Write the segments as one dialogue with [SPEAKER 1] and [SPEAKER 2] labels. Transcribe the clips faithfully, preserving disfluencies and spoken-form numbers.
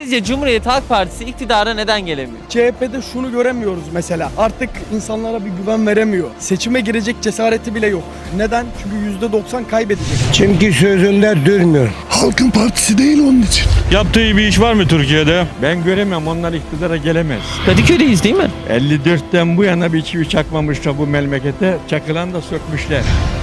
[SPEAKER 1] Sizce Cumhuriyet Halk Partisi iktidara neden gelemiyor?
[SPEAKER 2] C H P'de şunu göremiyoruz mesela. Artık insanlara bir güven veremiyor. Seçime girecek cesareti bile yok. Neden? Çünkü yüzde doksan kaybedecek.
[SPEAKER 3] Çünkü sözünde durmuyor.
[SPEAKER 4] Halkın partisi değil onun için.
[SPEAKER 5] Yaptığı bir iş var mı Türkiye'de? Ben göremem, onlar iktidara gelemez.
[SPEAKER 1] Kadıköy'deyiz değil mi?
[SPEAKER 5] elli dörtten bu yana bir çivi çakmamışlar bu memlekete, çakılan da sökmüşler.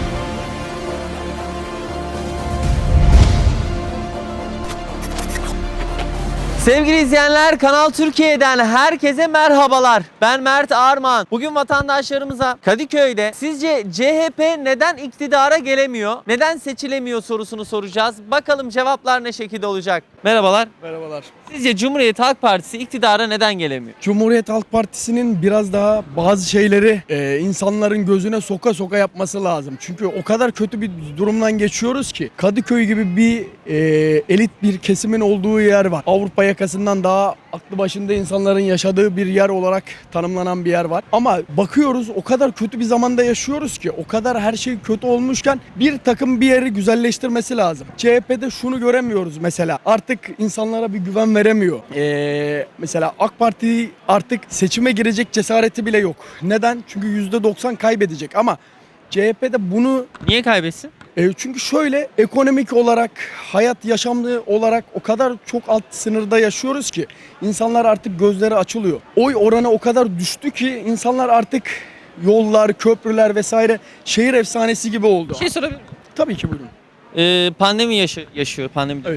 [SPEAKER 1] Sevgili izleyenler, Kanal Türkiye'den herkese merhabalar. Ben Mert Armağan. Bugün vatandaşlarımıza Kadıköy'de sizce C H P neden iktidara gelemiyor, neden seçilemiyor sorusunu soracağız. Bakalım cevaplar ne şekilde olacak? Merhabalar.
[SPEAKER 2] Merhabalar.
[SPEAKER 1] Sizce Cumhuriyet Halk Partisi iktidara neden gelemiyor?
[SPEAKER 2] Cumhuriyet Halk Partisi'nin biraz daha bazı şeyleri e, insanların gözüne soka soka yapması lazım. Çünkü o kadar kötü bir durumdan geçiyoruz ki Kadıköy gibi bir e, elit bir kesimin olduğu yer var. Avrupa yakasından daha aklı başında insanların yaşadığı bir yer olarak tanımlanan bir yer var. Ama bakıyoruz o kadar kötü bir zamanda yaşıyoruz ki, o kadar her şey kötü olmuşken bir takım bir yeri güzelleştirmesi lazım. C H P'de şunu göremiyoruz mesela. Artık insanlara bir güven veremiyor. Ee, mesela AK Parti artık seçime girecek cesareti bile yok. Neden? Çünkü yüzde doksan kaybedecek ama C H P'de bunu...
[SPEAKER 1] Niye kaybetsin?
[SPEAKER 2] E, çünkü şöyle, ekonomik olarak, hayat yaşamlı olarak o kadar çok alt sınırda yaşıyoruz ki insanlar artık gözleri açılıyor. Oy oranı o kadar düştü ki insanlar artık yollar, köprüler vesaire şehir efsanesi gibi oldu.
[SPEAKER 1] Bir şey sorabilir miyim?
[SPEAKER 2] Tabii ki buyurun.
[SPEAKER 1] Ee, pandemi yaşı- yaşıyor, pandemi.
[SPEAKER 2] Evet.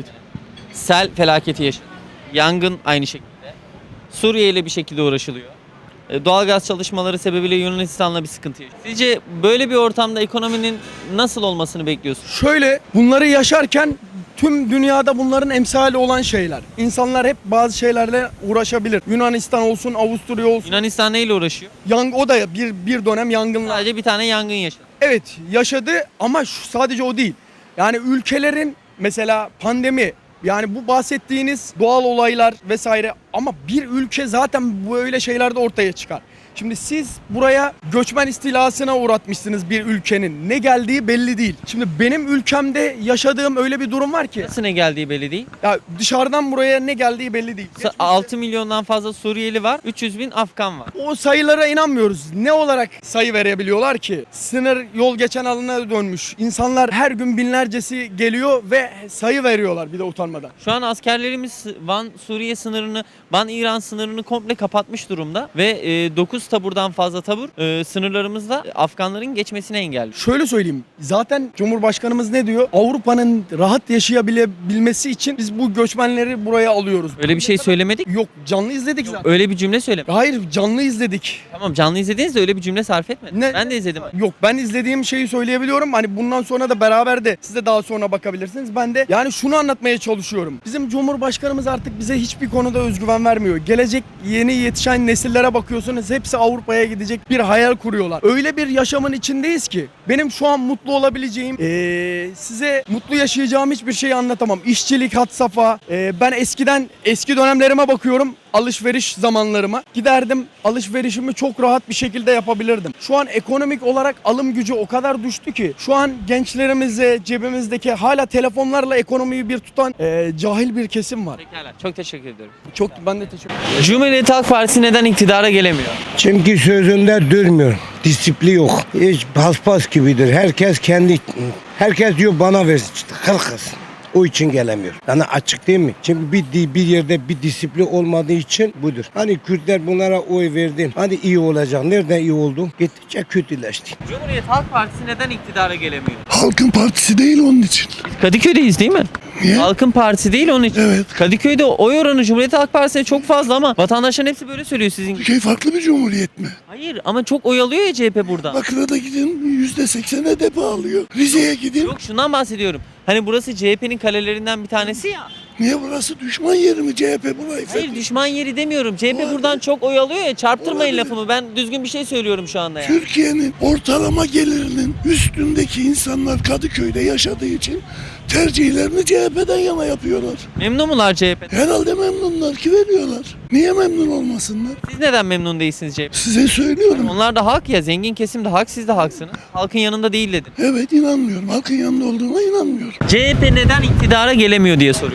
[SPEAKER 1] Sel felaketi yaşıyor. Yangın aynı şekilde. Suriye ile bir şekilde uğraşılıyor. E, Doğalgaz çalışmaları sebebiyle Yunanistan'la bir sıkıntı yaşıyor. Sizce böyle bir ortamda ekonominin nasıl olmasını bekliyorsunuz?
[SPEAKER 2] Şöyle, bunları yaşarken tüm dünyada bunların emsali olan şeyler. İnsanlar hep bazı şeylerle uğraşabilir. Yunanistan olsun, Avusturya olsun.
[SPEAKER 1] Yunanistan neyle uğraşıyor?
[SPEAKER 2] Yang, o da bir, bir dönem yangınlar.
[SPEAKER 1] Sadece bir tane yangın yaşadı.
[SPEAKER 2] Evet, yaşadı ama şu, sadece o değil. Yani ülkelerin mesela pandemi, yani bu bahsettiğiniz doğal olaylar vesaire, ama bir ülke zaten böyle şeylerde ortaya çıkar. Şimdi siz buraya göçmen istilasına uğratmışsınız bir ülkenin. Ne geldiği belli değil. Şimdi benim ülkemde yaşadığım öyle bir durum var ki.
[SPEAKER 1] Nasıl ne geldiği belli değil.
[SPEAKER 2] Ya dışarıdan buraya ne geldiği belli değil.
[SPEAKER 1] Sa- altı milyondan fazla Suriyeli var, üç yüz bin Afgan var.
[SPEAKER 2] O sayılara inanmıyoruz. Ne olarak sayı verebiliyorlar ki? Sınır yol geçen alana dönmüş. İnsanlar her gün binlercesi geliyor ve sayı veriyorlar bir de utanmadan.
[SPEAKER 1] Şu an askerlerimiz Van Suriye sınırını, Van İran sınırını komple kapatmış durumda ve e, dokuz taburdan fazla tabur e, sınırlarımızda Afganların geçmesini engelliyor.
[SPEAKER 2] Şöyle söyleyeyim. Zaten Cumhurbaşkanımız ne diyor? Avrupa'nın rahat yaşayabilmesi için biz bu göçmenleri buraya alıyoruz.
[SPEAKER 1] Öyle bir şey söylemedik.
[SPEAKER 2] Yok, canlı izledik zaten.
[SPEAKER 1] Öyle bir cümle söyle.
[SPEAKER 2] Hayır, canlı izledik.
[SPEAKER 1] Tamam, canlı izlediniz de öyle bir cümle sarf etmedin.
[SPEAKER 2] Ne?
[SPEAKER 1] Ben de izledim.
[SPEAKER 2] Yok, ben izlediğim şeyi söyleyebiliyorum. Hani bundan sonra da beraber de siz de daha sonra bakabilirsiniz. Ben de yani şunu anlatmaya çalışıyorum. Bizim Cumhurbaşkanımız artık bize hiçbir konuda özgüven vermiyor. Gelecek yeni yetişen nesillere bakıyorsunuz, hepsi Avrupa'ya gidecek bir hayal kuruyorlar. Öyle bir yaşamın içindeyiz ki benim şu an mutlu olabileceğim, ee, size mutlu yaşayacağım hiçbir şeyi anlatamam. İşçilik had safha. Ee, ben eskiden eski dönemlerime bakıyorum. Alışveriş zamanlarıma giderdim, alışverişimi çok rahat bir şekilde yapabilirdim. Şu an ekonomik olarak alım gücü o kadar düştü ki şu an gençlerimize, cebimizdeki hala telefonlarla ekonomiyi bir tutan e, cahil bir kesim var.
[SPEAKER 1] Pekala. Çok teşekkür ediyorum.
[SPEAKER 2] Çok, ben de teşekkür ederim.
[SPEAKER 1] Cumhuriyet Halk Partisi neden iktidara gelemiyor?
[SPEAKER 3] Çünkü sözünde durmuyor. Disiplin yok. Hiç paspas gibidir. Herkes kendi... Herkes diyor bana versin. İşte kırkız. O için gelemiyor. Yani açık değil mi? Çünkü bir, bir yerde bir disiplin olmadığı için budur. Hani Kürtler bunlara oy verdi. Hani iyi olacak. Nereden iyi oldu? Gittikçe kötüleşti.
[SPEAKER 1] Cumhuriyet Halk Partisi neden iktidara gelemiyor?
[SPEAKER 4] Halkın partisi değil onun için.
[SPEAKER 1] Kadıköy'deyiz değil mi?
[SPEAKER 4] Niye?
[SPEAKER 1] Halkın Partisi değil onun için.
[SPEAKER 4] Evet.
[SPEAKER 1] Kadıköy'de oy oranı Cumhuriyet Halk Partisi'ne çok fazla ama vatandaşların hepsi böyle söylüyor sizin gibi.
[SPEAKER 4] Şey farklı bir cumhuriyet mi?
[SPEAKER 1] Hayır ama çok oy alıyor ya C H P burada.
[SPEAKER 4] Bakır'a gidin yüzde seksene depo alıyor. Rize'ye gidin.
[SPEAKER 1] Yok, şundan bahsediyorum. Hani burası C H P'nin kalelerinden bir tanesi ya.
[SPEAKER 4] Niye burası düşman yeri mi C H P burayı?
[SPEAKER 1] Hayır, düşman yeri demiyorum. C H P buradan çok oy alıyor ya. Çarptırmayın
[SPEAKER 4] Olabilir.
[SPEAKER 1] lafımı. Ben düzgün bir şey söylüyorum şu anda ya.
[SPEAKER 4] Türkiye'nin ortalama gelirinin üstündeki insanlar Kadıköy'de yaşadığı için tercihlerini C H P'den yana yapıyorlar.
[SPEAKER 1] Memnun mular C H P'den?
[SPEAKER 4] Herhalde memnunlar ki veriyorlar. Niye memnun olmasınlar?
[SPEAKER 1] Siz neden memnun değilsiniz C H P?
[SPEAKER 4] Size söylüyorum.
[SPEAKER 1] Onlar da hak ya. Zengin kesim de hak, siz de haksınız. Halkın yanında değil dedin.
[SPEAKER 4] Evet, inanmıyorum. Halkın yanında olduğuna inanmıyorum.
[SPEAKER 1] C H P neden iktidara gelemiyor diye soruyoruz.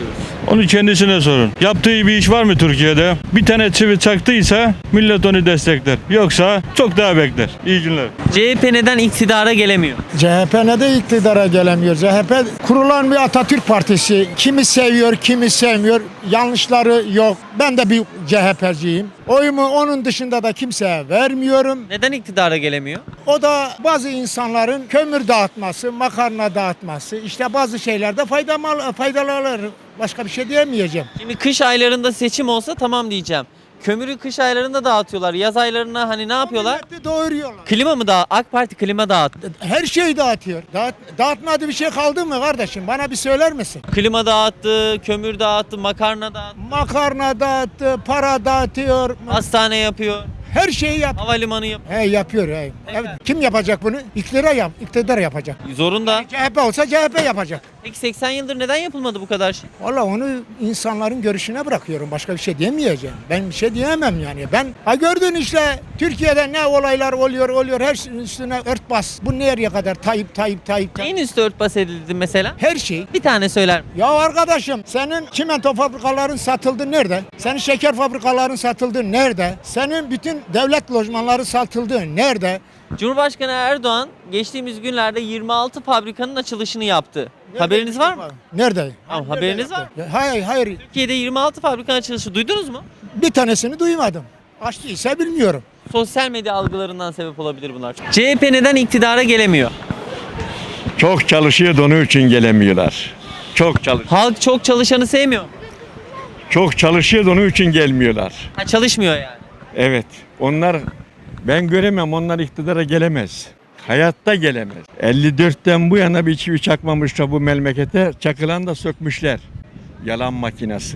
[SPEAKER 5] Onu kendisine sorun. Yaptığı bir iş var mı Türkiye'de? Bir tane çivi çaktıysa millet onu destekler. Yoksa çok daha bekler. İyi günler.
[SPEAKER 1] C H P neden iktidara gelemiyor?
[SPEAKER 6] C H P ne de iktidara gelemiyor. C H P kurulan bir Atatürk Partisi. Kimi seviyor, kimi sevmiyor. Yanlışları yok. Ben de bir C H P'ciyim. Oyumu onun dışında da kimseye vermiyorum.
[SPEAKER 1] Neden iktidara gelemiyor?
[SPEAKER 6] O da bazı insanların kömür dağıtması, makarna dağıtması, işte bazı şeylerde faydalı, faydalı alır. Başka bir şey diyemeyeceğim.
[SPEAKER 1] Şimdi kış aylarında seçim olsa tamam diyeceğim. Kömürü kış aylarında dağıtıyorlar. Yaz aylarına hani ne yapıyorlar?
[SPEAKER 6] Milleti doyuruyorlar.
[SPEAKER 1] Klima mı dağıt? AK Parti klima dağıttı.
[SPEAKER 6] Her şeyi dağıtıyor. Dağıt, dağıtmadığı bir şey kaldı mı kardeşim? Bana bir söyler misin?
[SPEAKER 1] Klima dağıttı, kömür dağıttı, makarna dağıttı,
[SPEAKER 6] Makarna dağıttı, para dağıtıyor.
[SPEAKER 1] hastane yapıyor,
[SPEAKER 6] Her şeyi yap.
[SPEAKER 1] havalimanı yapıyor.
[SPEAKER 6] He yapıyor. He. Evet. Kim yapacak bunu? İktidar yap. İktidar yapacak.
[SPEAKER 1] Zorunda.
[SPEAKER 6] C H P olsa C H P yapacak.
[SPEAKER 1] Peki seksen yıldır neden yapılmadı bu kadar şey?
[SPEAKER 6] Valla onu insanların görüşüne bırakıyorum. Başka bir şey diyemeyeceğim. Ben bir şey diyemem yani. Ben ha gördün işte Türkiye'de ne olaylar oluyor oluyor. Her şeyin üstüne örtbas. Bu nereye kadar? Tayyip Tayyip Tayyip.
[SPEAKER 1] Neyin üstü örtbas edildi mesela?
[SPEAKER 6] Her şey.
[SPEAKER 1] Bir tane söyler mi?
[SPEAKER 6] Ya arkadaşım senin çimento fabrikaların satıldı nerede? Senin şeker fabrikaların satıldı nerede? Senin bütün devlet lojmanları satıldı nerede?
[SPEAKER 1] Cumhurbaşkanı Erdoğan geçtiğimiz günlerde yirmi altı fabrikanın açılışını yaptı. Haberiniz var mı?
[SPEAKER 6] Nerede?
[SPEAKER 1] Tamam, haberiniz var mı?
[SPEAKER 6] Ya, Hayır hayır.
[SPEAKER 1] Türkiye'de yirmi altı fabrikanın açılışı duydunuz mu?
[SPEAKER 6] Bir tanesini duymadım. Açtıysa bilmiyorum.
[SPEAKER 1] Sosyal medya algılarından sebep olabilir bunlar. C H P neden iktidara gelemiyor?
[SPEAKER 5] Çok çalışıyor da onun için gelemiyorlar. Çok çalış.
[SPEAKER 1] Halk çok çalışanı sevmiyor.
[SPEAKER 5] Çok çalışıyor da onun için gelmiyorlar.
[SPEAKER 1] Ha, çalışmıyor yani.
[SPEAKER 5] Evet. Onlar ben göremem. Onlar iktidara gelemez. Hayatta gelemez. elli dörtten bu yana bir çivi çakmamışlar bu memlekete. Çakılan da sökmüşler. Yalan makinesi.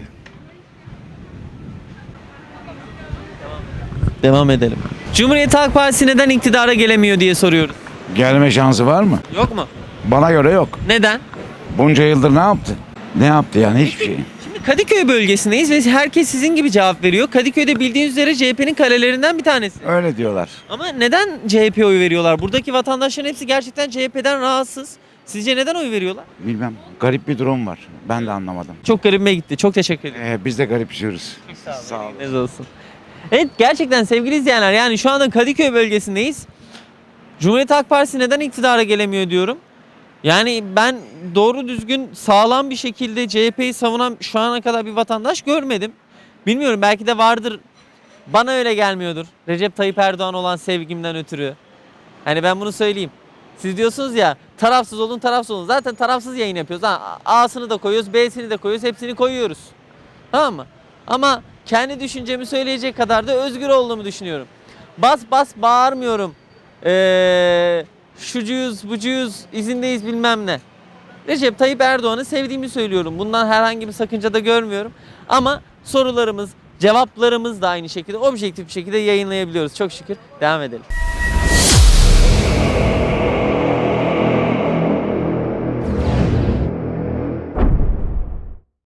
[SPEAKER 1] Devam edelim. Cumhuriyet Halk Partisi neden iktidara gelemiyor diye soruyoruz.
[SPEAKER 7] Gelme şansı var mı?
[SPEAKER 1] Yok mu?
[SPEAKER 7] Bana göre yok.
[SPEAKER 1] Neden?
[SPEAKER 7] Bunca yıldır ne yaptı? Ne yaptı yani hiçbir şey.
[SPEAKER 1] Şimdi Kadıköy bölgesindeyiz ve herkes sizin gibi cevap veriyor. Kadıköy'de bildiğiniz üzere C H P'nin kalelerinden bir tanesi.
[SPEAKER 7] Öyle diyorlar.
[SPEAKER 1] Ama neden C H P'ye oy veriyorlar? Buradaki vatandaşların hepsi gerçekten C H P'den rahatsız. Sizce neden oy veriyorlar?
[SPEAKER 7] Bilmem. Garip bir durum var. Ben de anlamadım.
[SPEAKER 1] Çok garibime gitti. Çok teşekkür ederim.
[SPEAKER 7] Ee, biz de garipsiyoruz.
[SPEAKER 1] Sağ olun. Ne olsun. Evet gerçekten sevgili izleyenler yani şu anda Kadıköy bölgesindeyiz. Cumhuriyet Halk Partisi neden iktidara gelemiyor diyorum. Yani ben doğru düzgün sağlam bir şekilde C H P'yi savunan şu ana kadar bir vatandaş görmedim. Bilmiyorum belki de vardır. Bana öyle gelmiyordur. Recep Tayyip Erdoğan olan sevgimden ötürü. Hani ben bunu söyleyeyim. Siz diyorsunuz ya tarafsız olun tarafsız olun. Zaten tarafsız yayın yapıyoruz. Ha, A'sını da koyuyoruz, B'sini de koyuyoruz, hepsini koyuyoruz. Tamam mı? Ama kendi düşüncemi söyleyecek kadar da özgür olduğumu düşünüyorum. Bas bas bağırmıyorum. Eee şucuyuz, bucuyuz, izindeyiz bilmem ne. Recep Tayyip Erdoğan'ı sevdiğimi söylüyorum. Bundan herhangi bir sakınca da görmüyorum. Ama sorularımız, cevaplarımız da aynı şekilde objektif bir şekilde yayınlayabiliyoruz. Çok şükür. Devam edelim.